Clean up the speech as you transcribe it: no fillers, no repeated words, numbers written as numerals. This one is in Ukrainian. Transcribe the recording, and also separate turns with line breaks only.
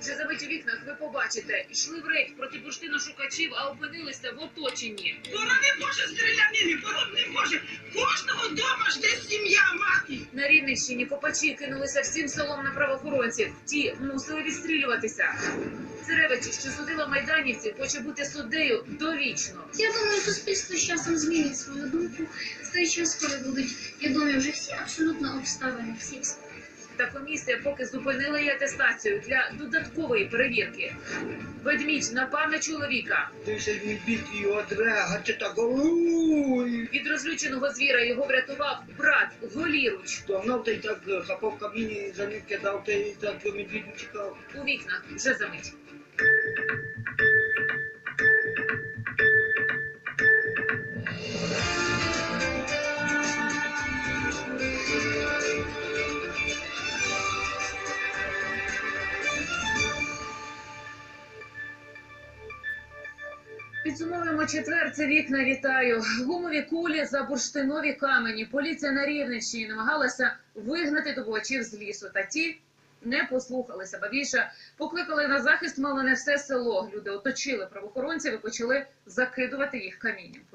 Вже за мить у вікнах ви побачите, йшли в рейд проти бурштиношукачів, а опинилися в оточенні.
Вона не може стрілянини, вона не може. Кожного дома жде сім'я, мати.
На Рівненщині копачі кинулися всім селом на правоохоронців. Ті мусили відстрілюватися. Церевичі, що судила майданівців, хоче бути суддею довічно.
Я думаю, суспільство з часом змінить свою думку. В той час, коли будуть відомі вже всі абсолютно обставини, всі.
Та комісія поки зупинила її атестацію для додаткової перевірки. Ведмідь напав на чоловіка.
Ти ще не бійте його дрега, чи так
Від розлюченого звіра його врятував брат голіруч.
Догнав та й так хапав в каміні, за ним кидав, та й так медвідь чекав.
У вікнах вже за мить. Підсумовуємо четвер. Це вікна. Вітаю. Гумові кулі за бурштинові камені. Поліція на Рівненщині намагалася вигнати добувачів з лісу. Та ті не послухалися. Ба більше покликали на захист мало не все село. Люди оточили правоохоронців і почали закидувати їх камінням.